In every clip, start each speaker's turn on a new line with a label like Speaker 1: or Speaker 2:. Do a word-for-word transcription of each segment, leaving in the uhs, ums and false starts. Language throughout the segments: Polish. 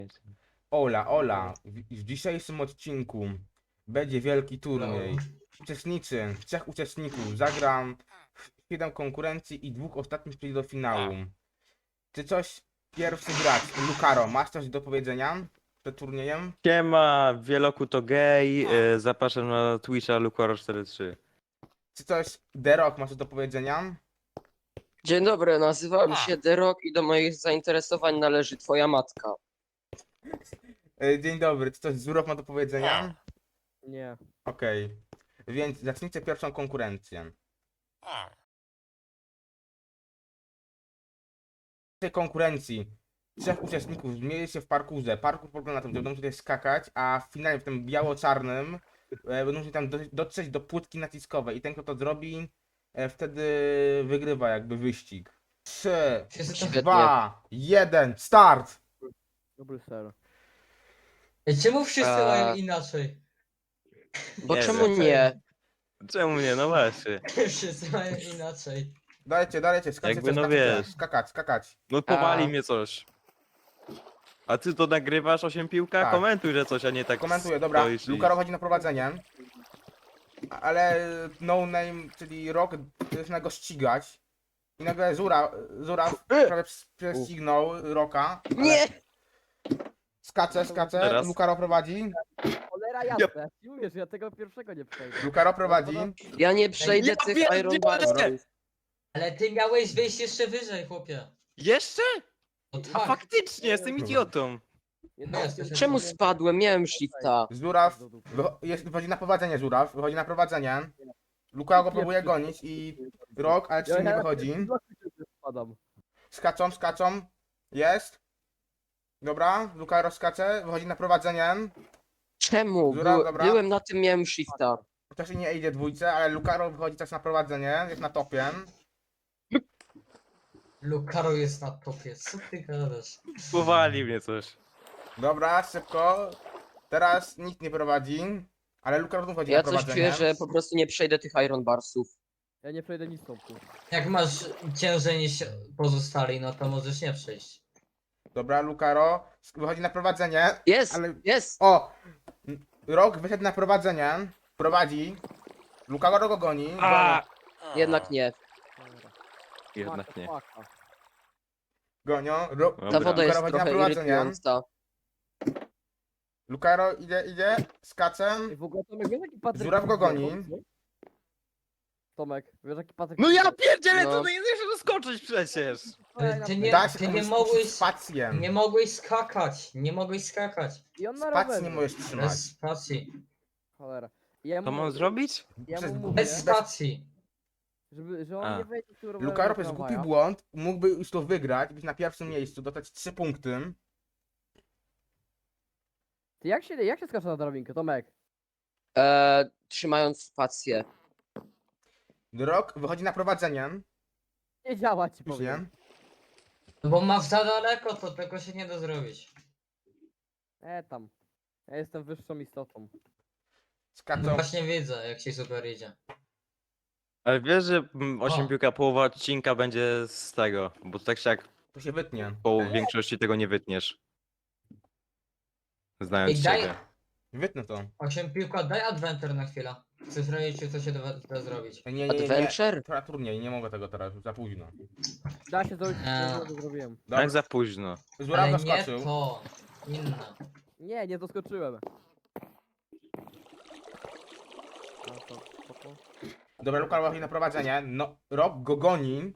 Speaker 1: Ola, Ola, w, w dzisiejszym odcinku będzie wielki turniej. Uczestnicy, trzech uczestników, zagram siedem konkurencji i dwóch ostatnich przejdzie do finału. Czy coś pierwszy grać? Lukaro, masz coś do powiedzenia przed turniejem?
Speaker 2: Siema, Wieloku to gej, e, zapraszam na Twitcha Lukaro cztery trzy.
Speaker 1: Czy coś Derok masz coś do powiedzenia?
Speaker 3: Dzień dobry, nazywam się Derok i do moich zainteresowań należy twoja matka.
Speaker 1: E, Dzień dobry, czy coś Zurok ma do powiedzenia?
Speaker 4: Nie.
Speaker 1: Okej, więc zacznijcie pierwszą konkurencję. W tej konkurencji trzech uczestników zmierzy się w parkurze. Parkur polega na tym, że będą musieli skakać, a w finale w tym biało-czarnym e, będą musieli tam do, dotrzeć do płytki naciskowej i ten, kto to zrobi, e, wtedy wygrywa jakby wyścig. trzy,
Speaker 3: Świetnie.
Speaker 1: dwa, jeden, start!
Speaker 4: Dobry ser.
Speaker 5: Ej, czemu wszyscy
Speaker 3: A.
Speaker 5: mają inaczej?
Speaker 3: Bo
Speaker 2: Nie
Speaker 3: czemu
Speaker 2: wiem.
Speaker 3: nie?
Speaker 2: Czemu nie? No właśnie.
Speaker 5: Wszyscy mają inaczej.
Speaker 1: Dajcie, dajcie, skaczecie,
Speaker 2: Jakby, no
Speaker 1: skaczecie,
Speaker 2: wiesz.
Speaker 1: skakać, skakać.
Speaker 2: No powali
Speaker 3: A.
Speaker 2: mnie coś. A ty to nagrywasz osiem piłka?
Speaker 1: Tak.
Speaker 2: Komentuj, że coś, a nie tak
Speaker 1: Komentuję, dobra,
Speaker 2: stoisz i-
Speaker 1: Lukaro chodzi na prowadzenie, ale no name, czyli Rock zaczyna go ścigać i nagle Zura, Zura prawie prześcignął Rocka. ale
Speaker 3: Nie!
Speaker 1: Skacze, skacze,
Speaker 2: Teraz.
Speaker 1: Lukaro prowadzi,
Speaker 4: Cholera jasne. Ci mówię, że ja tego pierwszego nie przejdę.
Speaker 1: Lukaro prowadzi,
Speaker 3: Ja nie przejdę
Speaker 2: Ja
Speaker 3: tych
Speaker 2: pierdzielę!
Speaker 3: Iron Barsów.
Speaker 5: Ale ty miałeś wyjść jeszcze wyżej, chłopie.
Speaker 2: Jeszcze?
Speaker 5: No
Speaker 2: A
Speaker 5: tak.
Speaker 2: faktycznie, jestem idiotą.
Speaker 4: Jedno-
Speaker 5: No, jesteś-
Speaker 3: Czemu spadłem? Miałem shifta.
Speaker 1: Zuraw wycho- jest, wychodzi na prowadzenie Zuraw, wychodzi na prowadzenie, Lukaro go próbuje gonić i Rock, ale czy nie wychodzi,
Speaker 4: Spadam.
Speaker 1: skaczą, skaczą, jest, dobra, Lukaro skacze, wychodzi na prowadzenie.
Speaker 3: Czemu?
Speaker 1: Zura,
Speaker 3: Był,
Speaker 1: dobra.
Speaker 3: byłem na tym, miałem shifta.
Speaker 1: To się nie idzie dwójce, ale Lukaro wychodzi też na prowadzenie, jest na topie.
Speaker 5: Lukaro jest na topie, co ty gadasz?
Speaker 2: Powali mnie coś.
Speaker 1: Dobra, szybko. Teraz nikt nie prowadzi, ale Lukaro znów chodzi
Speaker 3: Ja
Speaker 1: na
Speaker 3: coś
Speaker 1: prowadzenie.
Speaker 3: czuję, że po prostu nie przejdę tych Iron Barsów.
Speaker 4: Ja nie przejdę nic stąd.
Speaker 5: Jak masz ciężej niż pozostali, no to możesz nie przejść.
Speaker 1: Dobra, Lukaro sk- wychodzi na prowadzenie,
Speaker 3: Jest!
Speaker 1: ale...
Speaker 3: Jest!
Speaker 1: O! N- Rok wyszedł na prowadzenie, prowadzi. Lukaro go goni.
Speaker 2: A!
Speaker 3: Jednak nie.
Speaker 2: Jednak nie.
Speaker 1: Gonią. Ro...
Speaker 2: Dobra.
Speaker 3: Ta woda jest
Speaker 1: Lukaro chodzi na
Speaker 3: trochę
Speaker 1: prowadzenie.
Speaker 3: irytująca.
Speaker 1: Lukaro idzie, idzie, skacze.
Speaker 4: Ej, w ogóle Tomek, wiesz jaki Patryk...
Speaker 1: Żuraw go goni.
Speaker 4: Tomek, wiesz jaki Patryk...
Speaker 2: No ja pierdzielę,
Speaker 3: No.
Speaker 2: to nie chcesz doskoczyć przecież.
Speaker 5: Ale ty nie,
Speaker 1: Da się
Speaker 5: ty nie
Speaker 1: komuś
Speaker 5: mogłeś,
Speaker 1: spację.
Speaker 5: nie mogłeś skakać, nie mogłeś skakać.
Speaker 4: I on na
Speaker 1: Spacji
Speaker 4: rowerze.
Speaker 1: nie możesz trzymać.
Speaker 5: Bez spacji,
Speaker 4: Cholera. I ja mu
Speaker 2: To mam
Speaker 4: mówię-
Speaker 2: zrobić?
Speaker 4: Ja
Speaker 1: Przez-
Speaker 4: mu mówię,
Speaker 5: bez spacji.
Speaker 4: żeby, że on
Speaker 2: A.
Speaker 4: nie wejdzie z tym rowerem
Speaker 1: Lukaro
Speaker 4: do
Speaker 1: przez głupi
Speaker 4: tramwaja.
Speaker 1: błąd mógłby już to wygrać, być na pierwszym miejscu, dostać trzy punkty.
Speaker 4: Ty jak się, jak się skacze na drabinkę, Tomek?
Speaker 3: E, trzymając spację.
Speaker 1: Rok wychodzi na prowadzenie.
Speaker 4: Nie działa ci
Speaker 1: Już
Speaker 4: powiem.
Speaker 1: nie.
Speaker 5: No bo masz za daleko, to tego się nie da zrobić.
Speaker 4: E tam. Ja jestem wyższą istotą.
Speaker 5: No
Speaker 1: Skaczą.
Speaker 5: właśnie widzę, jak ci super idzie.
Speaker 2: Ale wiesz, że mm, osiem
Speaker 5: O.
Speaker 2: piłka połowa odcinka będzie z tego, bo tak się jak
Speaker 1: To się wytnie.
Speaker 2: po większości tego nie wytniesz. Znając
Speaker 5: Ej, daj-
Speaker 2: ciebie.
Speaker 1: Wytnę to.
Speaker 5: Osiem piłka, daj adventure na chwilę. Chcę sprawdzić, czy to się da, da zrobić.
Speaker 1: Nie, nie, nie, nie.
Speaker 3: Adventure?
Speaker 1: To na turniej, nie mogę tego teraz, już za późno.
Speaker 4: Da się zrobić,
Speaker 5: Eee.
Speaker 4: co to zrobiłem.
Speaker 1: Dobra,
Speaker 2: Jak za późno.
Speaker 1: Zuraw
Speaker 5: Ale nie
Speaker 1: doskoczył.
Speaker 5: to, inne.
Speaker 4: Nie, nie doskoczyłem. A, to, spoko.
Speaker 1: Dobra, Luka wychodzi na prowadzenie. No, Rob go goni.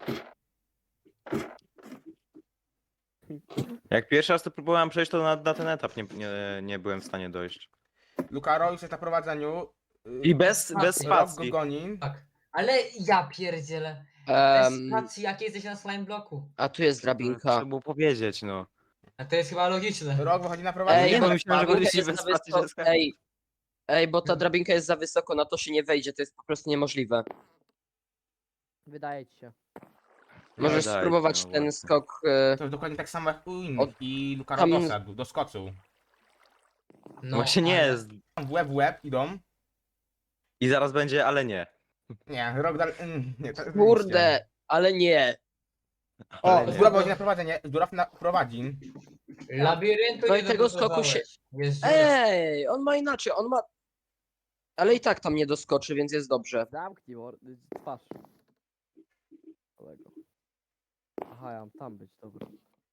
Speaker 2: Jak pierwszy raz to próbowałem przejść, to na, na ten etap nie, nie, nie byłem w stanie dojść.
Speaker 1: Lukaro już jest na prowadzeniu.
Speaker 2: I bez, bez
Speaker 5: Spacji.
Speaker 1: Rob go
Speaker 2: spacji.
Speaker 1: goni.
Speaker 5: Tak. Ale ja pierdzielę. Bez
Speaker 3: Em,
Speaker 5: spacji, jak jesteś na slime bloku.
Speaker 3: a tu jest
Speaker 2: Trzeba
Speaker 3: drabinka.
Speaker 2: było powiedzieć, no.
Speaker 5: A to jest chyba logiczne.
Speaker 1: Rok wychodzi na
Speaker 3: Ej,
Speaker 1: prowadzenie.
Speaker 2: nie,
Speaker 3: bo
Speaker 2: no myślałem, że
Speaker 3: drabinka
Speaker 2: będziecie
Speaker 3: jest
Speaker 2: bez
Speaker 3: za
Speaker 2: spacji,
Speaker 3: wysoko-
Speaker 2: że skakać.
Speaker 3: Ej, ej, bo ta drabinka jest za wysoko, na to się nie wejdzie, to jest po prostu niemożliwe.
Speaker 4: Wydaje ci się.
Speaker 3: Możesz
Speaker 2: dajcie,
Speaker 3: spróbować
Speaker 2: no
Speaker 3: ten
Speaker 2: właśnie.
Speaker 3: skok. E,
Speaker 1: To jest dokładnie tak samo jak u innych.
Speaker 3: Od-
Speaker 1: I Lukaro
Speaker 3: tam-
Speaker 1: doszedł, doskoczył.
Speaker 5: No,
Speaker 2: Właśnie nie
Speaker 5: ale-
Speaker 2: jest.
Speaker 1: W łeb w łeb idą.
Speaker 2: I zaraz będzie, ale nie.
Speaker 1: Nie, Rok dalej. mm, Nie, to jest
Speaker 3: kurde, ale nie.
Speaker 1: O,
Speaker 2: Ale nie.
Speaker 1: Zduraw wychodzi na prowadzenie. Zduraw na prowadzi.
Speaker 5: Labiryntu
Speaker 3: No
Speaker 5: nie
Speaker 3: i tego skoku się-
Speaker 5: dobudowałeś. Jest dziura.
Speaker 3: Ej, on ma inaczej, on ma... Ale i tak tam nie doskoczy, więc jest dobrze.
Speaker 4: Zamknij mor... twarz. Kolego. Aha, ja mam tam być, dobra.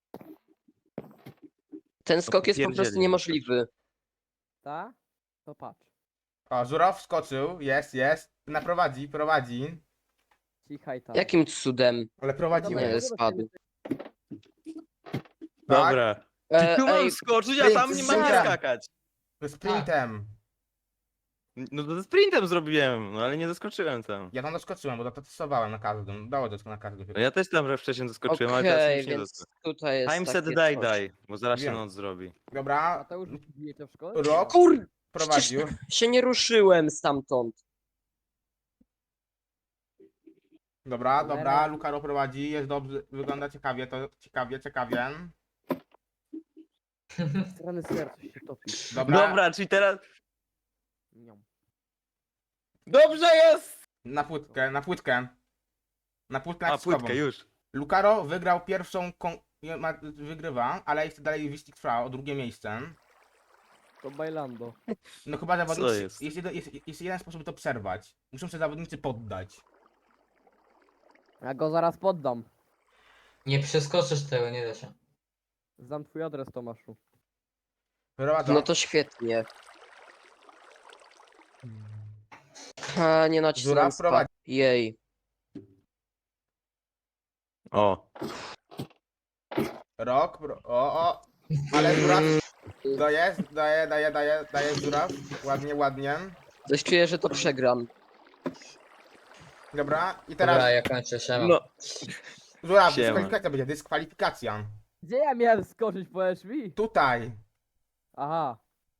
Speaker 3: Ten skok jest po prostu
Speaker 2: popierdzieli.
Speaker 3: niemożliwy.
Speaker 4: Ta? To patrz.
Speaker 1: O, Żuraw wskoczył, jest, jest. Naprowadzi, prowadzi.
Speaker 4: Cichaj tam.
Speaker 3: Jakim cudem?
Speaker 1: Ale
Speaker 3: Nie,
Speaker 1: prowadzimy.
Speaker 3: spadł.
Speaker 1: Tak?
Speaker 2: Dobra. Czy
Speaker 3: E,
Speaker 2: tu mam
Speaker 3: ej,
Speaker 2: skoczyć, a tam nie mam
Speaker 1: sprint,
Speaker 2: nie
Speaker 1: sprint.
Speaker 2: skakać?
Speaker 1: Sprintem.
Speaker 2: No to sprintem zrobiłem, no ale nie zaskoczyłem tam.
Speaker 1: Ja tam doskoczyłem, bo testowałem na każdym. Dało dosk na każdym.
Speaker 2: No ja też tam że wcześniej zaskoczyłem, ale teraz
Speaker 3: okej,
Speaker 2: już nie
Speaker 3: więc
Speaker 2: doskoczyłem.
Speaker 3: tutaj jest
Speaker 2: Time set
Speaker 3: takie
Speaker 2: die
Speaker 3: coś.
Speaker 2: die, bo zaraz się
Speaker 1: Wiem.
Speaker 2: noc zrobi.
Speaker 1: Dobra,
Speaker 4: Mateusz, bijecie w szkole?
Speaker 1: Rok
Speaker 3: Kur...
Speaker 1: prowadził.
Speaker 3: się nie ruszyłem stamtąd.
Speaker 1: Dobra,
Speaker 4: Cholera.
Speaker 1: dobra, Lukaro prowadzi, jest dobrze, wygląda ciekawie, to ciekawie, ciekawie.
Speaker 4: Strony serca się topi.
Speaker 1: Dobra,
Speaker 2: Dobra, czyli teraz...
Speaker 4: Niam.
Speaker 2: Dobrze jest!
Speaker 1: na płytkę, na płytkę. Na płytkę
Speaker 2: A,
Speaker 1: naciskową.
Speaker 2: płytkę już.
Speaker 1: Lukaro wygrał pierwszą, kon... nie ma- wygrywa, ale jeszcze dalej wyścig trwa o drugie miejsce.
Speaker 4: To bailando.
Speaker 1: No chyba zawodnicy,
Speaker 2: jest?
Speaker 1: jest, jeden, jest, jest jeden sposób, by to przerwać. Muszą się zawodnicy poddać.
Speaker 4: Ja go zaraz poddam.
Speaker 5: Nie przeskoczysz tego, nie da się.
Speaker 4: Znam twój adres, Tomaszu.
Speaker 1: Prowadzą.
Speaker 3: No to świetnie. A, nie nacisnąłem
Speaker 1: Żuraw prowadzi.
Speaker 3: spa. Jej.
Speaker 2: O.
Speaker 1: Rok, pro... o, o, ale Żuraw daje, daje, daje, daje, daje Żuraw. Ładnie, ładnie.
Speaker 3: Coś czuję, że to przegram.
Speaker 1: Dobra, i teraz
Speaker 5: Dobra, ja kończę się.
Speaker 2: No.
Speaker 1: Żuraw,
Speaker 2: Siema.
Speaker 1: dyskwalifikacja będzie, dyskwalifikacja.
Speaker 4: Gdzie ja miałem skoczyć, powiesz mi?
Speaker 1: Tutaj.
Speaker 4: Aha.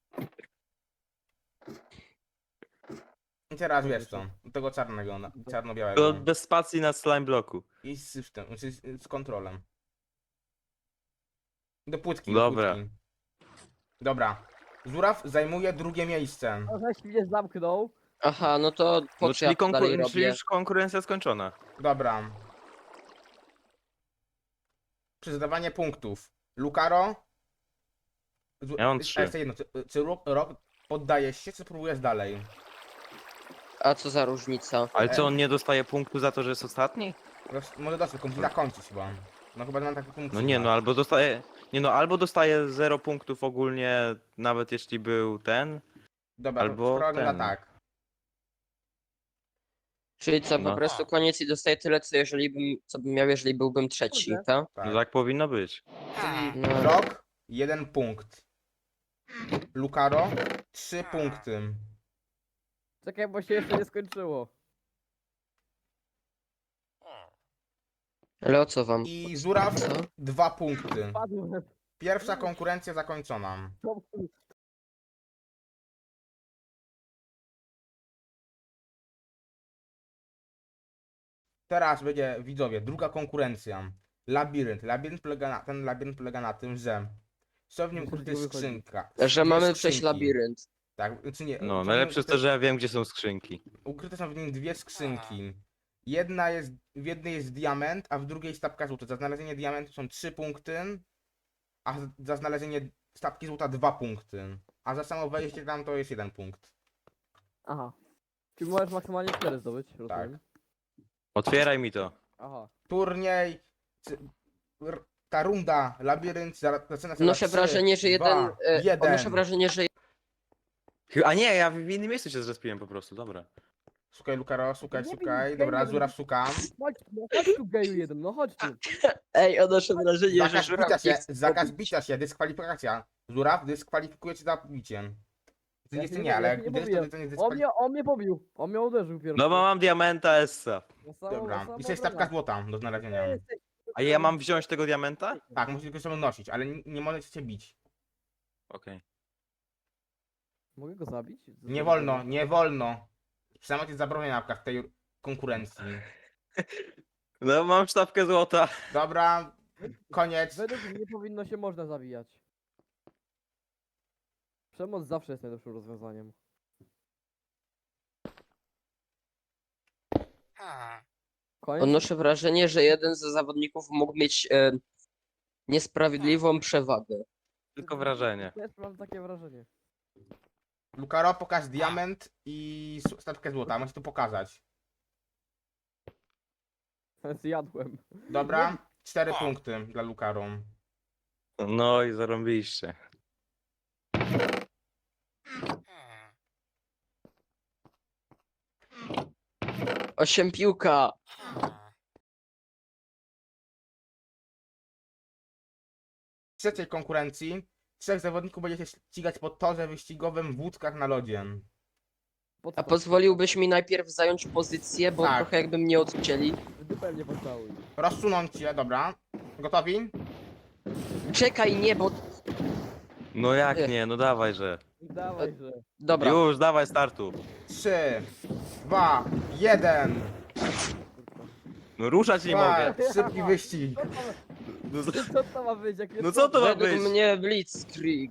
Speaker 1: I teraz wiesz co, do tego czarnego, na-
Speaker 2: To
Speaker 1: czarno-białego.
Speaker 2: bez spacji na slime bloku.
Speaker 1: I z system, znaczy z, z kontrolem. Do płytki,
Speaker 2: Dobra.
Speaker 1: do płytki. Dobra. Żuraw zajmuje drugie miejsce.
Speaker 4: No żeś mnie zamknął.
Speaker 3: Aha, no to po
Speaker 2: No
Speaker 3: co ja
Speaker 2: czyli,
Speaker 3: to dalej
Speaker 2: konkur- czyli
Speaker 3: robię?
Speaker 2: już konkurencja skończona.
Speaker 1: Dobra. Przyznawanie punktów. Lukaro? Żu-
Speaker 2: Ja mam
Speaker 1: a
Speaker 2: trzy.
Speaker 1: Jeszcze jedno, czy, czy Rok, Rok poddajesz się, czy próbujesz dalej?
Speaker 3: A co za różnica?
Speaker 2: Ale
Speaker 1: E.
Speaker 2: co, on nie dostaje punktu za to, że jest ostatni?
Speaker 1: Roz- Może dosyć, tylko musi zakończyć chyba. No chyba mam taki punkt.
Speaker 2: No nie, no albo dostaje... Nie no, albo dostaje zero punktów ogólnie, nawet jeśli był ten.
Speaker 1: Dobra,
Speaker 2: albo
Speaker 1: to sprawa wygląda
Speaker 2: ten.
Speaker 1: tak.
Speaker 3: Czyli co, po
Speaker 2: No.
Speaker 3: prostu koniec i dostaję tyle, co jeżeli bym, co bym miał, jeżeli byłbym trzeci,
Speaker 4: Kurde.
Speaker 3: tak?
Speaker 1: tak.
Speaker 2: No tak powinno być.
Speaker 1: Czyli
Speaker 3: No.
Speaker 1: Rok, jeden punkt. Lukaro, trzy punkty.
Speaker 4: Czekaj, bo się jeszcze nie skończyło.
Speaker 3: Ale o co wam?
Speaker 1: I Żuraw,
Speaker 3: Co?
Speaker 1: dwa punkty.
Speaker 4: Padłem.
Speaker 1: Pierwsza konkurencja zakończona. Teraz będzie, widzowie, druga konkurencja. Labirynt. Labirynt polega na, ten labirynt polega na tym, że są w nim
Speaker 4: Muszę z
Speaker 1: ukryte
Speaker 4: niego wychodzić.
Speaker 1: skrzynka.
Speaker 3: Że
Speaker 1: dwie
Speaker 3: mamy przejść
Speaker 1: skrzynki.
Speaker 3: labirynt.
Speaker 1: Tak, czy nie? są
Speaker 2: No,
Speaker 1: w
Speaker 2: najlepsze
Speaker 1: nim
Speaker 2: jest to, że ja wiem, gdzie są skrzynki.
Speaker 1: Ukryte są w nim dwie skrzynki. Jedna jest, w jednej jest diament, a w drugiej stapka złota. Za znalezienie diamentu są trzy punkty, a z- za znalezienie stapki złota dwa punkty. A za samo wejście tam to jest jeden punkt.
Speaker 4: Aha. Czyli możesz maksymalnie cztery zdobyć, rozumiem.
Speaker 2: Otwieraj mi to.
Speaker 4: Aha.
Speaker 1: Turniej, czy- r- ta runda, labirynt za- zaczyna się
Speaker 3: Odnoszę
Speaker 1: za trzy,
Speaker 3: wrażenie, że jeden...
Speaker 1: dwa,
Speaker 3: e,
Speaker 1: jeden.
Speaker 3: Odnoszę wrażenie, że
Speaker 2: Chy- A nie, ja w innym miejscu się zrespiłem po prostu, dobra.
Speaker 1: Szukaj Lukaro, szukaj,
Speaker 4: Nie
Speaker 1: szukaj.
Speaker 4: wiem,
Speaker 1: Dobra,
Speaker 4: nie wiem.
Speaker 1: Żuraw szukam.
Speaker 4: Chodź tu, no chodź tu geju jeden, no chodź tu.
Speaker 3: Ej, odnoszę wrażenie, że
Speaker 1: Zakaz
Speaker 3: żuraw
Speaker 1: bicia
Speaker 3: nie
Speaker 1: się,
Speaker 3: chce
Speaker 1: zakaz
Speaker 3: pobić.
Speaker 1: bicia się, dyskwalifikacja. Żuraw dyskwalifikuje cię za bicie. Ty
Speaker 4: Ja
Speaker 1: jest
Speaker 4: się
Speaker 1: nie,
Speaker 4: nie-
Speaker 1: ale
Speaker 4: ja
Speaker 1: jak
Speaker 4: się nie
Speaker 1: gdyż to,
Speaker 4: pobiłem.
Speaker 1: to nie
Speaker 4: On
Speaker 1: dyskwalifikacja.
Speaker 4: mnie, on mnie pobił. On mnie uderzył pierwszy.
Speaker 2: No bo mam diamenta Essa.
Speaker 4: No samo-
Speaker 1: Dobra,
Speaker 4: samo
Speaker 1: i to jest
Speaker 4: obrona.
Speaker 1: stapka złota do znalezienia.
Speaker 4: Jesteś-
Speaker 2: A ja mam wziąć tego diamenta?
Speaker 1: Tak, musisz go sobie nosić, ale nie, nie możecie cię bić.
Speaker 2: Okej.
Speaker 4: Mogę go zabić?
Speaker 1: Nie wolno, nie wolno. Przemoc jest zabroniona w tej konkurencji.
Speaker 2: No mam sztabkę złota.
Speaker 1: Dobra, koniec.
Speaker 4: Według mnie powinno się można zabijać. Przemoc zawsze jest najlepszym rozwiązaniem. Koniec?
Speaker 3: Odnoszę wrażenie, że jeden ze zawodników mógł mieć e, niesprawiedliwą przewagę.
Speaker 2: Tylko wrażenie.
Speaker 4: Też mam takie wrażenie.
Speaker 1: Lukaro, pokaż diament i s- stawkę złota. Możesz to pokazać.
Speaker 4: Zjadłem.
Speaker 1: Dobra? Cztery punkty dla Lukaro.
Speaker 2: No i zarąbiliście.
Speaker 3: Osiem piłka.
Speaker 1: W trzeciej konkurencji trzech zawodników będzie się ścigać po torze wyścigowym w łódkach na lodzie.
Speaker 4: Po
Speaker 3: A
Speaker 4: co?
Speaker 3: pozwoliłbyś mi najpierw zająć pozycję, bo
Speaker 1: Tak.
Speaker 3: trochę jakby mnie odcięli.
Speaker 4: W dupę mnie pocałuj.
Speaker 1: Rozsunąć się, dobra. Gotowi?
Speaker 3: Czekaj, nie, bo...
Speaker 2: No jak
Speaker 3: Nie.
Speaker 2: nie, no dawaj, że.
Speaker 4: Dawaj, że...
Speaker 3: Dobra.
Speaker 2: Już, dawaj startu.
Speaker 1: Trzy, dwa, jeden.
Speaker 2: No ruszać nie mogę.
Speaker 1: Szybki wyścig.
Speaker 4: Co to,
Speaker 2: No, z-
Speaker 4: co to ma być? Jak
Speaker 2: No co to ma
Speaker 3: Według
Speaker 2: być?
Speaker 3: mnie Blitzkrieg.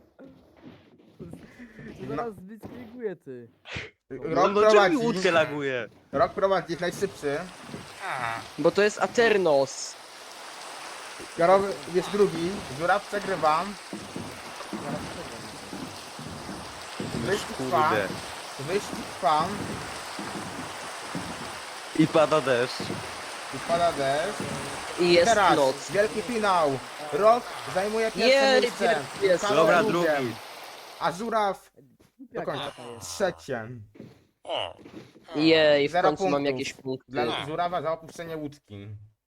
Speaker 4: Zaraz zblitzkrieguje ty.
Speaker 2: No,
Speaker 1: Rok
Speaker 2: no czemu mi
Speaker 1: prowadzi.
Speaker 2: łódkę laguje?
Speaker 1: Rok prowadzi, jest najszybszy.
Speaker 3: Bo to jest Aternos.
Speaker 1: Karol jest drugi. Żuraw przegrywa. Wyścig trwa.
Speaker 2: Kurde.
Speaker 1: Wyścig trwa.
Speaker 2: I pada deszcz.
Speaker 1: I pada deszcz.
Speaker 3: I jest
Speaker 1: Teraz
Speaker 3: noc.
Speaker 1: wielki finał. Rok zajmuje pierwsze
Speaker 3: Jej,
Speaker 1: miejsce.
Speaker 3: pierwszy jest.
Speaker 1: Karol
Speaker 2: Dobra,
Speaker 1: drugim.
Speaker 2: drugi.
Speaker 1: A Żuraw do
Speaker 4: Jak
Speaker 1: końca.
Speaker 4: to jest?
Speaker 1: Trzecie.
Speaker 3: Jej, w
Speaker 1: Zero
Speaker 3: końcu mam
Speaker 1: punktów.
Speaker 3: jakieś punkty.
Speaker 1: Dla Żurawa za opuszczenie łódki.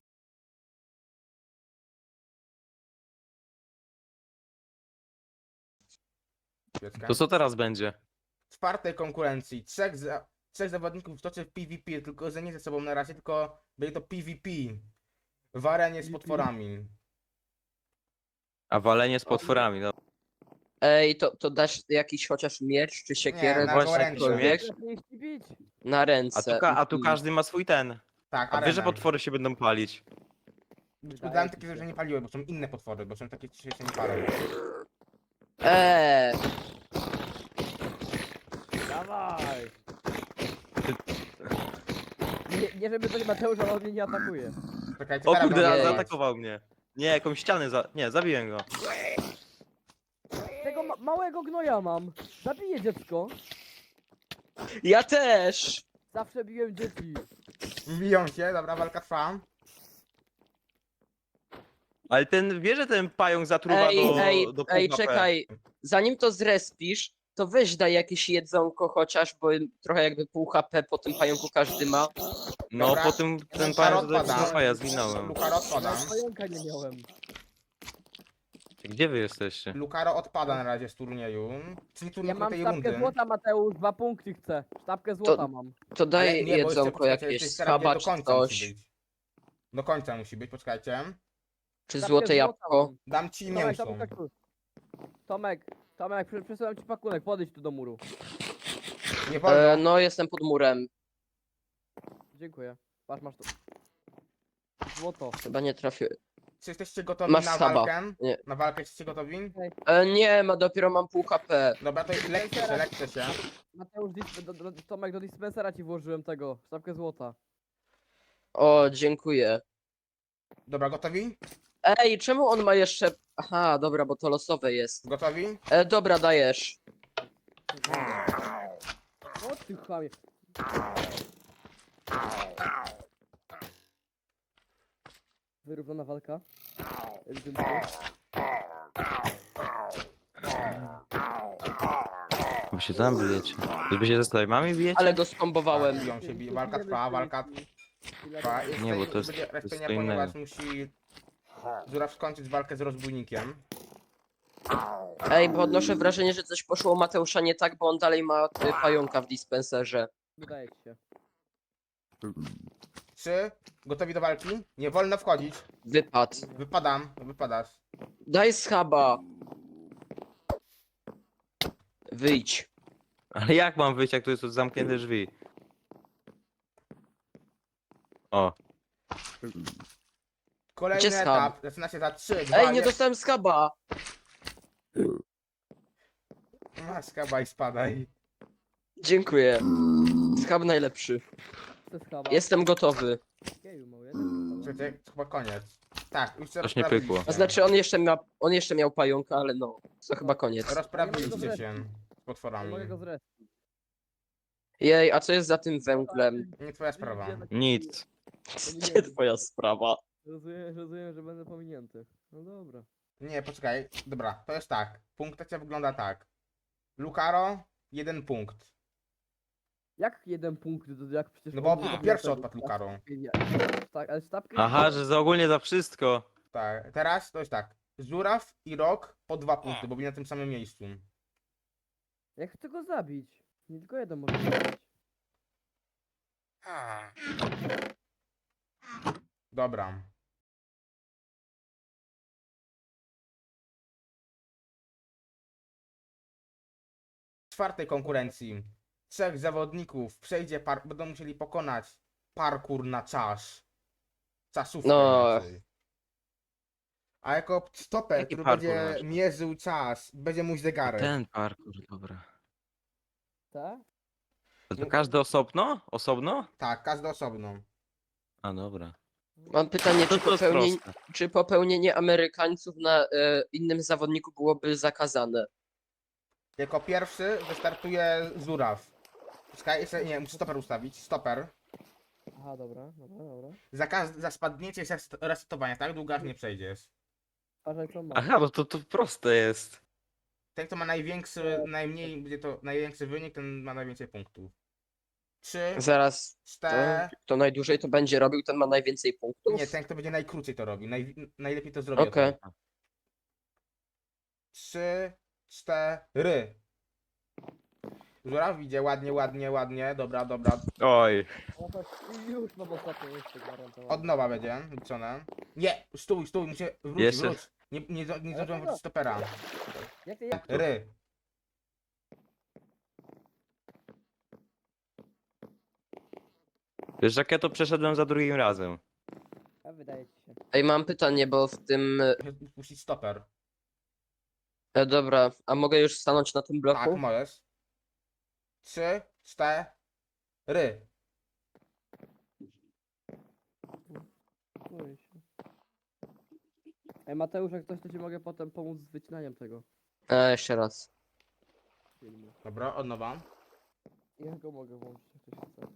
Speaker 1: Świecka.
Speaker 2: To co teraz będzie?
Speaker 1: W czwartej konkurencji trzech, za, trzech zawodników toczy w PvP, tylko że nie ze sobą na razie, tylko będzie to PvP. W arenie z potworami.
Speaker 2: A walenie z potworami, no.
Speaker 3: Ej, to, to dasz jakiś chociaż miecz czy siekierę?
Speaker 1: Nie, na
Speaker 3: czy
Speaker 1: gołębie.
Speaker 3: cokolwiek?
Speaker 4: Nie chcę bić.
Speaker 3: Na
Speaker 2: A
Speaker 3: ręce.
Speaker 2: tu, ka- a tu
Speaker 3: Mhm.
Speaker 2: każdy ma swój ten.
Speaker 1: Tak,
Speaker 2: A wiesz, że
Speaker 1: arena.
Speaker 2: potwory się będą palić.
Speaker 1: Udałem takie, że nie paliły, bo są inne potwory, bo są takie, które się nie palą.
Speaker 3: Eee,
Speaker 4: Dawaj. Nie, nie żeby coś Mateusz, ale on mnie nie atakuje.
Speaker 1: Czekajcie,
Speaker 2: O
Speaker 1: teraz
Speaker 2: kurde,
Speaker 1: będę
Speaker 2: a
Speaker 3: Ojej.
Speaker 1: atakować.
Speaker 2: zaatakował mnie. Nie, jakąś ścianę za... Nie, zabiłem go.
Speaker 4: Tego ma małego gnoja mam. Zabiję dziecko.
Speaker 3: ja też!
Speaker 4: Zawsze biłem dzieci.
Speaker 1: Biją się, dobra, walka trwa.
Speaker 2: Ale ten, wie, że ten pająk zatruwa
Speaker 3: Ej,
Speaker 2: do,
Speaker 3: ej,
Speaker 2: do
Speaker 3: ej,
Speaker 2: pół H P.
Speaker 3: czekaj. Zanim to zrespisz, to weź daj jakieś jedzonko chociaż, bo trochę jakby pół H P po tym pająku każdy ma.
Speaker 2: No,
Speaker 1: Dobra.
Speaker 2: po tym ten
Speaker 1: Lukaro
Speaker 2: pająk tutaj
Speaker 1: odpada.
Speaker 2: wszystko, ja zginąłem.
Speaker 1: Lukaro odpada.
Speaker 4: Nawet pająka nie miałem.
Speaker 2: Gdzie wy jesteście?
Speaker 1: Lukaro odpada na razie z turnieju. Czyli
Speaker 4: Ja
Speaker 1: turnieju
Speaker 4: mam
Speaker 1: tej
Speaker 4: sztabkę
Speaker 1: rundy.
Speaker 4: złota, Mateusz. Dwa punkty chcę. Sztabkę złota mam.
Speaker 3: To daj
Speaker 1: Ale nie, bo jeszcze
Speaker 3: jedzonko
Speaker 1: poczekajcie,
Speaker 3: jakieś,
Speaker 1: jeszcze teraz
Speaker 3: schaba
Speaker 1: do
Speaker 3: czy
Speaker 1: końca musi
Speaker 3: coś.
Speaker 1: być. Do końca musi być, poczekajcie.
Speaker 3: Czy
Speaker 4: Sztabkę
Speaker 3: złote
Speaker 4: złota
Speaker 3: jabłko.
Speaker 4: mam.
Speaker 1: Dam ci
Speaker 4: Tomek,
Speaker 1: mięso.
Speaker 4: Tomek, Tomek, Tomek, Tomek, przy- przesyłam ci pakunek, podejdź tu do muru.
Speaker 1: Nie wolno.
Speaker 3: E, no, jestem pod murem.
Speaker 4: Dziękuję. Patrz, masz tu. Złoto.
Speaker 3: Chyba nie trafię.
Speaker 1: Czy jesteście gotowi
Speaker 3: Masz
Speaker 1: na
Speaker 3: schaba.
Speaker 1: walkę?
Speaker 3: Nie.
Speaker 1: Na walkę jesteście gotowi?
Speaker 3: E, nie, ma dopiero mam pół H P.
Speaker 1: Dobra, to lekcie się, lekcie się.
Speaker 4: Mateusz, dis- do, do, Tomek, do dispensera ci włożyłem tego. Sztabkę złota.
Speaker 3: O, dziękuję.
Speaker 1: Dobra, gotowi?
Speaker 3: Ej, czemu on ma jeszcze... Aha, dobra, bo to losowe jest.
Speaker 1: Gotowi?
Speaker 3: E, dobra, dajesz.
Speaker 4: O ty chamie. Wyrównana walka. Ewidentnie.
Speaker 2: Wy się tam bijecie. Wy się ze slajmami bijecie?
Speaker 3: Ale go skombowałem.
Speaker 1: Biją się, bi- walka trwa, walka trwa. Jest
Speaker 2: Nie, bo
Speaker 1: tutaj-
Speaker 2: to jest-
Speaker 1: będzie
Speaker 2: to jest
Speaker 1: respienia,
Speaker 2: co
Speaker 1: ponieważ musi Żuraw skończyć walkę z rozbójnikiem.
Speaker 3: Ej, bo odnoszę wrażenie, że coś poszło u Mateusza nie tak, bo on dalej ma y, pająka w dispenserze.
Speaker 4: Wydaje ci się.
Speaker 1: Trzy, gotowi do walki? Nie wolno wchodzić.
Speaker 3: Wypad.
Speaker 1: Wypadam, wypadasz.
Speaker 3: Daj schaba. Wyjdź.
Speaker 2: Ale jak mam wyjść, jak tu jest zamknięte drzwi? O,
Speaker 1: Kolejny
Speaker 3: Gdzie schab?
Speaker 1: etap, zaczyna się za trzy, dwa,
Speaker 3: Ej, nie
Speaker 1: jeden.
Speaker 3: dostałem schaba.
Speaker 1: Maska, baj, spadaj.
Speaker 3: Dziękuję. Schab najlepszy.
Speaker 4: To jest chyba.
Speaker 3: Jestem gotowy.
Speaker 4: Geju, mały, jeden.
Speaker 1: Słuchajcie, chyba koniec. Tak, już
Speaker 2: Coś nie pykło.
Speaker 3: A znaczy on jeszcze, miał, on jeszcze miał pająka, ale no, to chyba koniec.
Speaker 1: Rozprawiliście się z
Speaker 4: Nie
Speaker 1: potworami.
Speaker 4: mogę go zrespić.
Speaker 3: Jej, a co jest za tym węglem?
Speaker 1: Nie twoja sprawa.
Speaker 2: Nic.
Speaker 3: Nie twoja sprawa.
Speaker 4: Rozumiem, rozumiem, że będę pominięty. No dobra.
Speaker 1: Nie, poczekaj. Dobra, to jest tak. Punktacja wygląda tak. Lucaro, jeden punkt.
Speaker 4: Jak jeden punkt, to jak przecież...
Speaker 1: No bo
Speaker 4: on nie
Speaker 1: pierwszy
Speaker 4: tego.
Speaker 1: odpadł Lucaro.
Speaker 4: Tak, ale sztabkę...
Speaker 2: Aha, że za ogólnie za wszystko.
Speaker 1: Tak, teraz to jest tak. Żuraw i Rok po dwa punkty, bo byli na tym samym miejscu.
Speaker 4: Jak chcę go zabić? Nie tylko jeden może zabić.
Speaker 1: Dobra. W czwartej konkurencji trzech zawodników przejdzie par będą musieli pokonać parkour na czas. Czasówkę
Speaker 3: No.
Speaker 1: inaczej. A jako stoper,
Speaker 2: Jaki
Speaker 1: który
Speaker 2: parkour
Speaker 1: będzie
Speaker 2: masz?
Speaker 1: mierzył czas, będzie mój zegarek.
Speaker 2: Ten parkour, dobra.
Speaker 4: Tak?
Speaker 2: To, to każdy osobno? Osobno?
Speaker 1: Tak, każdy osobno.
Speaker 2: A dobra.
Speaker 3: Mam pytanie,
Speaker 2: To
Speaker 3: czy
Speaker 2: to jest
Speaker 3: popełnienie,
Speaker 2: proste.
Speaker 3: czy popełnienie Amerykańców na e, innym zawodniku byłoby zakazane?
Speaker 1: Jako pierwszy wystartuje Żuraw. Czekaj, jeszcze nie, muszę stoper ustawić. Stoper.
Speaker 4: Aha, dobra, dobra, dobra.
Speaker 1: Za, każ- za spadnięcie i zas- resetowanie, tak długo aż nie przejdziesz.
Speaker 4: Patrzaj co ma.
Speaker 2: Aha, no to, to proste jest.
Speaker 1: Ten, kto ma największy, najmniej, będzie to największy wynik, ten ma najwięcej punktów. Trzy,
Speaker 3: Zaraz, to,
Speaker 1: cztery.
Speaker 3: kto najdłużej to będzie robił, ten ma najwięcej punktów?
Speaker 1: Nie, ten, kto będzie najkrócej to robi. Naj, najlepiej to zrobi.
Speaker 3: Okej.
Speaker 1: o to. Trzy, cztery. Żuraw idzie ładnie, ładnie, ładnie. Dobra, dobra.
Speaker 2: Oj.
Speaker 4: No to już mam ostatnie miejsce gwarantowane.
Speaker 1: Od nowa będzie liczone. Nie, stój, stój, muszę wrócić,
Speaker 2: Jeszcze.
Speaker 1: wróć. Nie, nie, nie, nie zdążyłem
Speaker 4: dlaczego?
Speaker 1: wrócić stopera.
Speaker 4: Jak ty, jak
Speaker 1: Ry.
Speaker 2: Wiesz, jak ja to przeszedłem za drugim razem.
Speaker 4: A wydaje ci się.
Speaker 3: Ej, mam pytanie, bo w tym...
Speaker 1: Muszę puścić stoper.
Speaker 3: E, dobra, a mogę już stanąć na tym
Speaker 1: Tak,
Speaker 3: bloku?
Speaker 1: możesz. Trzy, cztery.
Speaker 4: Boję się. Ej Mateusz, jak coś to ci mogę potem pomóc z wycinaniem tego
Speaker 3: E, jeszcze raz.
Speaker 4: filmu.
Speaker 1: Dobra, od nowa.
Speaker 4: Ja go mogę włączyć, jak ktoś chce.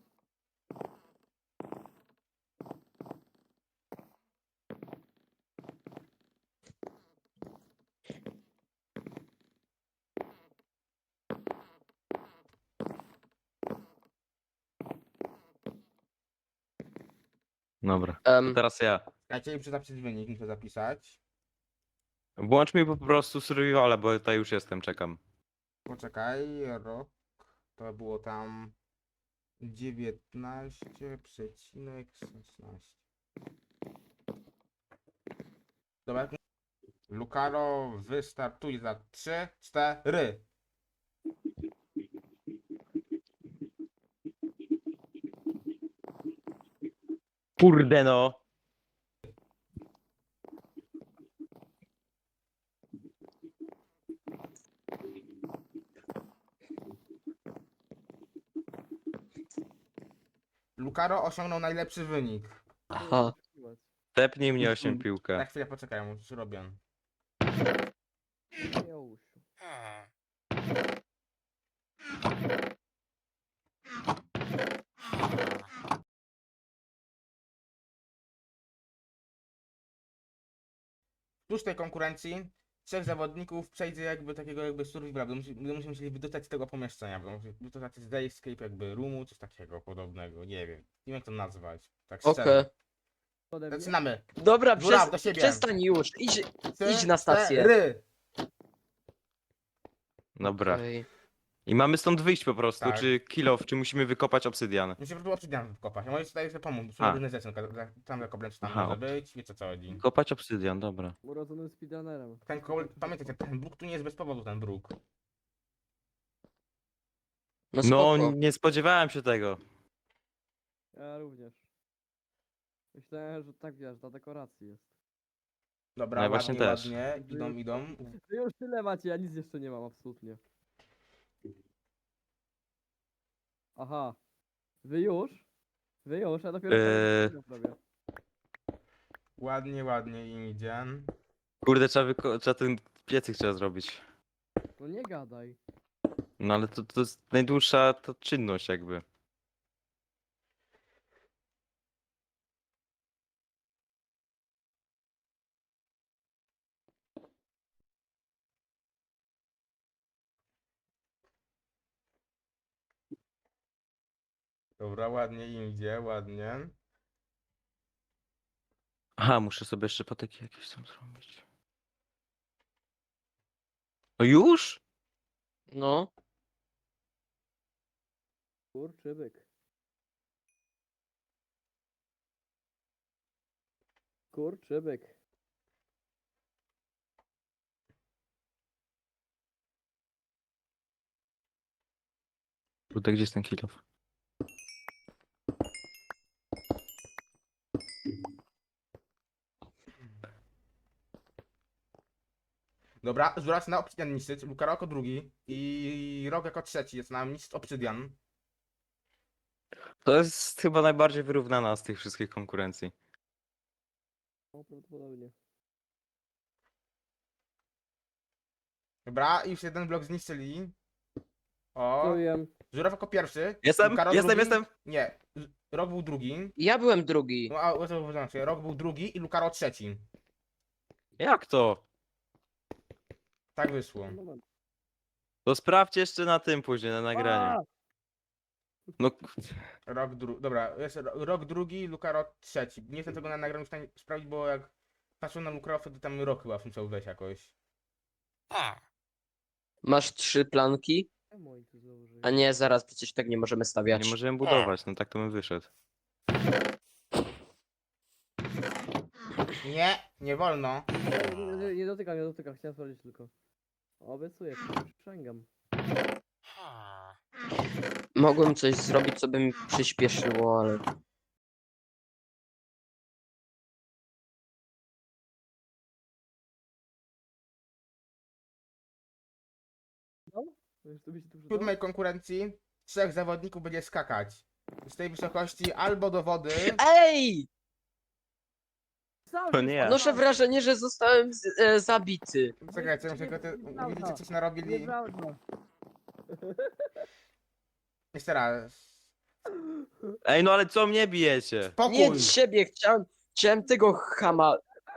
Speaker 2: Dobra.
Speaker 3: Em,
Speaker 2: To teraz ja.
Speaker 1: Czekajcie, muszę zapisać wynik, muszę zapisać.
Speaker 2: Włącz mi po prostu survivala, bo tutaj już jestem, czekam.
Speaker 1: Poczekaj, rok. To było tam dziewiętnaście przecinek szesnaście. Dobra. Lucaro wystartuje za trzy, cztery.
Speaker 2: Kurde no.
Speaker 1: Lucaro osiągnął najlepszy wynik.
Speaker 3: aha.
Speaker 2: Tepnij mnie osiem
Speaker 1: Na
Speaker 2: piłkę.
Speaker 1: chwilę poczekaj, już robię.
Speaker 4: Już.
Speaker 1: W szóstej konkurencji trzech zawodników przejdzie jakby takiego jakby survivala, będą, musi- będą się musieli wydostać z tego pomieszczenia, będą musieli wydostać z escape jakby roomu, coś takiego podobnego, nie wiem. Nie wiem jak to nazwać. Tak
Speaker 3: Okej.
Speaker 1: szczerze.
Speaker 4: Ode mnie?
Speaker 1: Zaczynamy.
Speaker 3: Dobra,
Speaker 1: Żuraw,
Speaker 3: przez,
Speaker 1: do siebie.
Speaker 3: przestań już. Idź,
Speaker 1: Trzy,
Speaker 3: idź na stację.
Speaker 1: cztery.
Speaker 2: Dobra.
Speaker 3: Okej.
Speaker 2: I mamy stąd wyjść po prostu,
Speaker 1: Tak.
Speaker 2: czy kill off, czy musimy wykopać obsydian.
Speaker 1: Muszę po prostu obsydian wkopać. Ja możesz tutaj sobie pomóc, są
Speaker 2: A.
Speaker 1: różne rzeczy, na przykład za- tam za koblęcz tam
Speaker 2: Aha,
Speaker 1: może
Speaker 2: ob-
Speaker 1: być, wiecie o co chodzi.
Speaker 2: Kopać obsydian, dobra.
Speaker 4: Urodzonym speedrunnerem.
Speaker 1: Ten kobl... Pamiętajcie, ten bruk tu nie jest bez powodu, ten bruk.
Speaker 3: No
Speaker 2: No,
Speaker 3: spoko.
Speaker 2: nie spodziewałem się tego.
Speaker 4: Ja również. Myślałem, że tak wiesz, dla dekoracji jest.
Speaker 1: Dobra,
Speaker 2: No ja właśnie
Speaker 1: ładnie,
Speaker 2: też.
Speaker 1: ładnie, idą, idą.
Speaker 4: Wy już tyle macie, ja nic jeszcze nie mam, absolutnie. Aha. Wy już? Wy już? Ja dopiero
Speaker 2: Eee.
Speaker 4: teraz robię.
Speaker 1: Ładnie, ładnie im idzie.
Speaker 2: Kurde, trzeba, wyko- trzeba ten piecyk trzeba zrobić.
Speaker 4: No nie gadaj.
Speaker 2: No ale to, to jest najdłuższa to czynność jakby.
Speaker 1: Dobra, ładnie im idzie, ładnie.
Speaker 2: Aha, muszę sobie jeszcze patyki jakieś tam zrobić. No już?
Speaker 3: No.
Speaker 4: Kurczybyk. Kurczybyk.
Speaker 2: Kurde, gdzie jest ten kilof?
Speaker 1: Dobra, Żuraw na obsydian niszczyć, Lukaro jako drugi i Rok jako trzeci jest na mistrz obsydian.
Speaker 2: To jest chyba najbardziej wyrównana z tych wszystkich konkurencji.
Speaker 4: O, prawdopodobnie.
Speaker 1: Dobra, i już jeden blok zniszczyli. O,
Speaker 4: To wiem.
Speaker 1: Żuraw jako pierwszy.
Speaker 2: Jestem,
Speaker 1: Lukaro
Speaker 2: jestem,
Speaker 1: drugi.
Speaker 2: jestem!
Speaker 1: Nie, Z- Rok był drugi.
Speaker 3: Ja byłem drugi.
Speaker 1: No, a to znaczy, Rok był drugi i Lukaro trzeci.
Speaker 2: Jak to?
Speaker 1: Tak wyszło.
Speaker 4: Moment.
Speaker 2: To sprawdź jeszcze na tym później, na nagraniu.
Speaker 4: A!
Speaker 2: No,
Speaker 1: Rok drugi. Dobra, jest ro- Rok drugi, Lukaro trzeci. Nie jestem tego na nagraniu w stanie sprawdzić, bo jak patrzę na Lukaro, to tam Rok chyba musiał wejść jakoś.
Speaker 3: Masz trzy planki?
Speaker 4: Czemu oni tu założyli?
Speaker 3: A nie, zaraz, przecież tak nie możemy stawiać.
Speaker 2: nie możemy budować, no tak to bym wyszedł.
Speaker 1: Nie, nie wolno.
Speaker 4: Nie, nie, nie, nie dotykam, nie dotykam, chciałem sprawdzić tylko. Obiecuję, przysięgam.
Speaker 3: Mogłem coś zrobić, co by mi przyspieszyło, ale...
Speaker 4: Wiesz, to by się tu
Speaker 1: W
Speaker 4: przydało?
Speaker 1: siódmej konkurencji trzech zawodników będzie skakać. Z tej wysokości albo do wody.
Speaker 3: Ej!
Speaker 4: Sam
Speaker 2: To
Speaker 4: się
Speaker 2: nie ja.
Speaker 3: Noszę
Speaker 4: spadam.
Speaker 3: wrażenie, że zostałem z, e, zabity.
Speaker 1: Czekajcie, muszę tylko te...
Speaker 4: Nieprawda.
Speaker 1: Widzicie coś narobili?
Speaker 4: Nieprawda.
Speaker 1: Jeszcze raz.
Speaker 2: Ej, no ale co mnie bijecie?
Speaker 1: Spokój!
Speaker 3: Nie ciebie, chciałem, chciałem tego chama.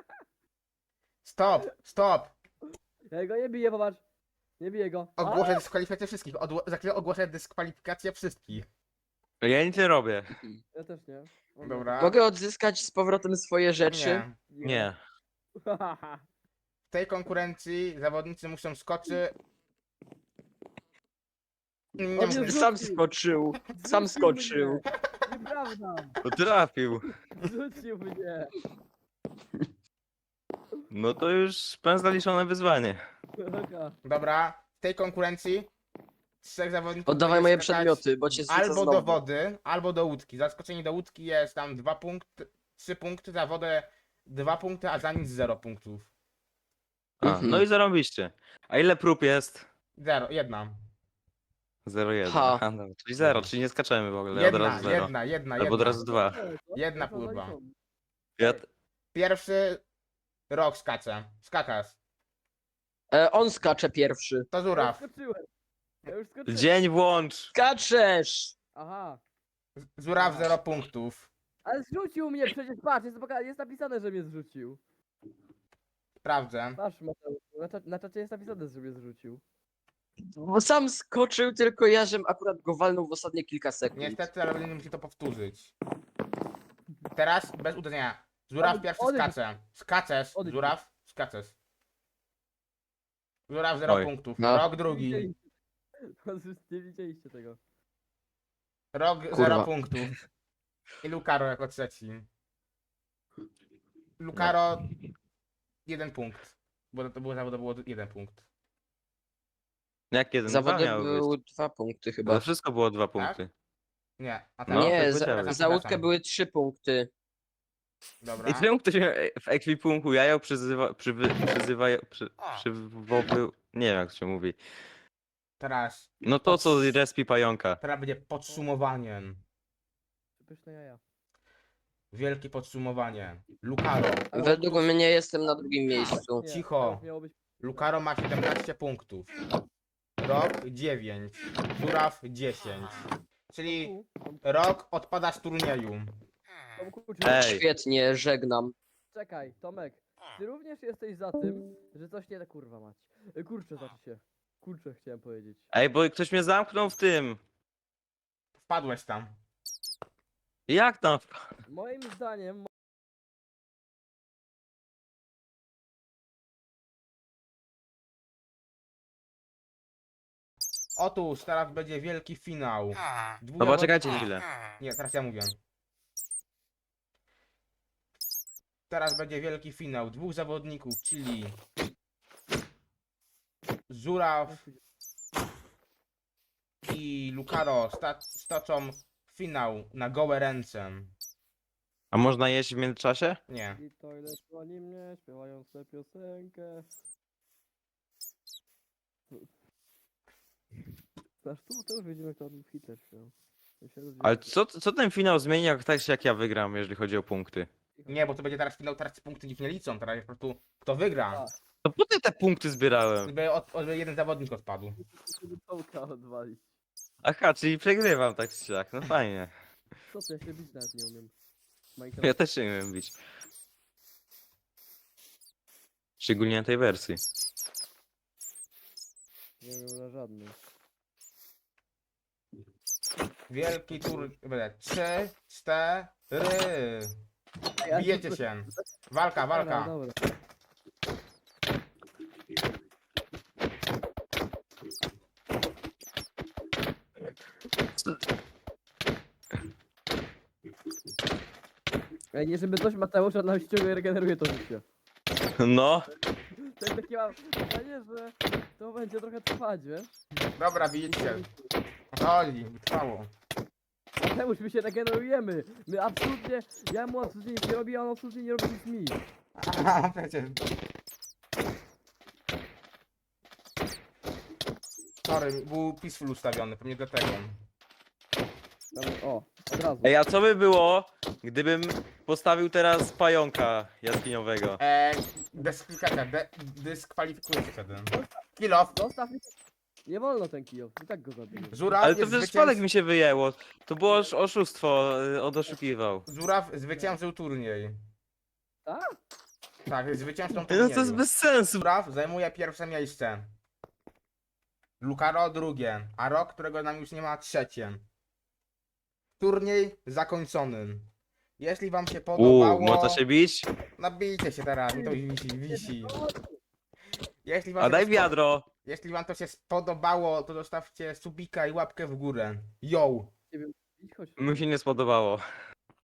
Speaker 1: Stop, stop!
Speaker 4: Ja go nie biję, popatrz. Nie biję go. A!
Speaker 1: Ogłoszę dyskwalifikację wszystkich. Odło- za chwilę ogłoszę dyskwalifikację wszystkich.
Speaker 2: Ja nic nie robię.
Speaker 4: Ja też nie. O,
Speaker 1: Dobra.
Speaker 3: Mogę odzyskać z powrotem swoje rzeczy?
Speaker 1: Nie.
Speaker 2: Nie.
Speaker 1: W tej konkurencji zawodnicy muszą skoczyć. Nie
Speaker 4: On
Speaker 1: muszę-
Speaker 4: jest-
Speaker 3: Sam
Speaker 4: Zrzucił.
Speaker 3: skoczył. Sam
Speaker 4: Zrzucił
Speaker 3: skoczył.
Speaker 4: mnie. Nieprawda.
Speaker 2: To trafił.
Speaker 4: Rzucił mnie.
Speaker 2: No to już pan zaliczone wyzwanie.
Speaker 4: Taka.
Speaker 1: Dobra, w tej konkurencji trzech zawodników
Speaker 3: Oddawaj
Speaker 1: będzie
Speaker 3: moje
Speaker 1: skakać
Speaker 3: przedmioty, bo cię zrzucę
Speaker 1: albo
Speaker 3: znowu.
Speaker 1: do wody, albo do łódki. Zaskoczenie do łódki jest tam dwa punkty, trzy punkty, za wodę dwa punkty, a za nic zero punktów.
Speaker 2: A,
Speaker 3: Mhm.
Speaker 2: no i zarobiście. A ile prób jest?
Speaker 1: Zero, jedna.
Speaker 2: zero jeden.
Speaker 3: Ha.
Speaker 2: Aha, dobra, czyli zero, czyli nie skaczemy w ogóle, od
Speaker 1: Jedna,
Speaker 2: razu zero.
Speaker 1: jedna, jedna,
Speaker 2: Albo od
Speaker 1: jedna.
Speaker 2: razu dwa.
Speaker 1: Jedna
Speaker 4: To
Speaker 1: pływa.
Speaker 4: zaliczone.
Speaker 2: Ja,
Speaker 1: Pierwszy rok skacze. Skakasz.
Speaker 3: E, on skacze pierwszy.
Speaker 1: To
Speaker 4: Ja już
Speaker 1: żuraw.
Speaker 4: skoczyłem. Ja już skoczyłem.
Speaker 2: dzień włącz!
Speaker 3: Skaczesz!
Speaker 4: Aha.
Speaker 1: Żuraw zero punktów.
Speaker 4: Ale zrzucił mnie przecież, patrz, jest, poka- jest napisane, że mnie zrzucił.
Speaker 1: Sprawdzę.
Speaker 4: Patrz, Mateusz, na, cza- na czacie jest napisane, że mnie zrzucił.
Speaker 3: Bo sam skoczył, tylko ja, żem akurat go walnął w ostatnie kilka sekund.
Speaker 1: Niestety, ale będziemy musieli to powtórzyć. Teraz bez uderzenia. Żuraw
Speaker 4: Odejdź,
Speaker 1: pierwszy
Speaker 4: odejdź.
Speaker 1: skacze. Skaczesz.
Speaker 4: Odejdź.
Speaker 1: Żuraw, skaczesz. Żuraw zero
Speaker 2: Oj.
Speaker 1: punktów.
Speaker 3: No.
Speaker 1: Rok
Speaker 4: Nie
Speaker 1: drugi.
Speaker 4: widzieliście- Nie widzieliście tego.
Speaker 1: Rok
Speaker 3: Kurwa.
Speaker 1: zero punktów. I Lukaro jako trzeci. Lukaro jeden punkt. Bo to było zawody było jeden punkt.
Speaker 2: Jak jeden?
Speaker 3: Zawody
Speaker 2: Dwa miały
Speaker 3: były
Speaker 2: być.
Speaker 3: dwa punkty
Speaker 2: Bo
Speaker 3: chyba.
Speaker 2: to wszystko było dwa punkty.
Speaker 1: Nie, a
Speaker 2: No,
Speaker 3: nie,
Speaker 2: tak
Speaker 3: za,
Speaker 2: powiedziałeś.
Speaker 3: za łódkę były trzy punkty.
Speaker 1: Dobra.
Speaker 2: I czemu ktoś w ekwipunku jajo przyzywa, przywy, przyzywa, przy, przywoły, nie wiem jak to się mówi.
Speaker 1: Teraz.
Speaker 2: No to co respi pająka.
Speaker 1: Teraz będzie podsumowaniem.
Speaker 4: Pyszne jaja.
Speaker 1: Wielkie podsumowanie. Lucaro.
Speaker 3: Według mnie jestem na drugim miejscu.
Speaker 4: Nie,
Speaker 1: Cicho.
Speaker 4: to już miało być...
Speaker 1: Lucaro ma siedemnaście punktów. Rok dziewięć. Żuraw dziesięć. Czyli
Speaker 4: Tu, Tom-
Speaker 1: Rok odpada z turnieju.
Speaker 4: Tomku, czy...
Speaker 2: Ej.
Speaker 3: Świetnie, żegnam.
Speaker 4: Czekaj, Tomek. Ty również jesteś za tym, że coś nie... Kurwa mać. Y, Kurczę, znaczy się. Kurczę, chciałem powiedzieć.
Speaker 2: Ej, bo ktoś mnie zamknął w tym.
Speaker 1: Wpadłeś tam.
Speaker 2: Jak tam?
Speaker 4: Moim zdaniem...
Speaker 1: Otóż teraz będzie wielki finał. Dwóch
Speaker 2: Dobra,
Speaker 1: zawod-
Speaker 2: czekajcie chwilę.
Speaker 1: Nie, teraz ja mówię. Teraz będzie wielki finał. Dwóch zawodników, czyli Żuraw i Lucaro sta stoczą finał na gołe ręce.
Speaker 2: A można jeść w międzyczasie?
Speaker 1: Nie.
Speaker 4: I to ile słoni mnie, śpiewając tę piosenkę. Aż tu to już widzimy, kto ten Hitler śpiewał. Ja się rozdzielę.
Speaker 2: Ale co, co ten finał zmieni, jak tak jak ja wygram, jeżeli chodzi o punkty?
Speaker 1: Nie, bo to będzie teraz finał, teraz punkty nikt nie liczą, teraz jest po prostu kto wygra.
Speaker 4: A.
Speaker 2: To po ty te punkty zbierałem.
Speaker 1: Żeby od, od, jeden zawodnik odpadł.
Speaker 4: Żeby Tomka odwalić.
Speaker 2: Aha, czyli przegrywam tak czy siak, no fajnie.
Speaker 4: Co to, ja się bić nawet nie umiem.
Speaker 2: Ja
Speaker 4: Minecraft.
Speaker 2: też się nie umiem bić. Szczególnie na tej wersji.
Speaker 4: Nie wiem na żadnej.
Speaker 1: Wielki tur... Będę. Trzy, cztery.
Speaker 4: Ej, ale
Speaker 1: Bijecie
Speaker 4: to-
Speaker 1: się. Walka,
Speaker 4: Dobra,
Speaker 1: walka.
Speaker 4: dobra. Ej, nie żeby coś Mateusza nam ściąga i regeneruje to życie.
Speaker 2: No,
Speaker 4: To jest takie mam pytanie, że to będzie trochę trwać, wiesz?
Speaker 1: Dobra, bijecie się. O co chodzi? Trwało.
Speaker 4: Mateusz, my się regenerujemy. My absolutnie, ja mu absolutnie nic nie robię, a on absolutnie nie robi nic mi.
Speaker 1: Aha, przecież. Sorry, był peaceful ustawiony, pewnie dlatego.
Speaker 4: Dobra, o, od razu.
Speaker 2: ej, a co by było, gdybym postawił teraz pająka jaskiniowego?
Speaker 1: Eee, dyskwalifikacja, de, dyskwalifikuje się wtedy. Kill off.
Speaker 4: Zostaw mi... Nie wolno ten kijów, i tak go zabiję.
Speaker 1: Żuraw
Speaker 2: Ale to
Speaker 1: jest
Speaker 2: przez
Speaker 1: zwycięz...
Speaker 2: przypadek mi się wyjęło. To było osz- oszustwo, y, on oszukiwał.
Speaker 1: Żuraw zwyciężył turniej.
Speaker 4: Tak?
Speaker 1: Tak, jest zwycięzcą
Speaker 2: No
Speaker 1: turnieju.
Speaker 2: to jest bez sensu.
Speaker 1: Żuraw zajmuje pierwsze miejsce. Lucaro drugie, a Rok, którego nam już nie ma, trzecie. Turniej zakończony. Jeśli wam się podobało...
Speaker 2: Uuu, można się bić?
Speaker 1: Nabijcie się teraz, mi to wisi, wisi. Jeśli wam,
Speaker 2: A
Speaker 1: się
Speaker 2: daj
Speaker 1: to spo-
Speaker 2: wiadro.
Speaker 1: Jeśli wam to się spodobało, to zostawcie subika i łapkę w górę. Yo!
Speaker 4: Idź, chodź.
Speaker 2: Mi się nie spodobało.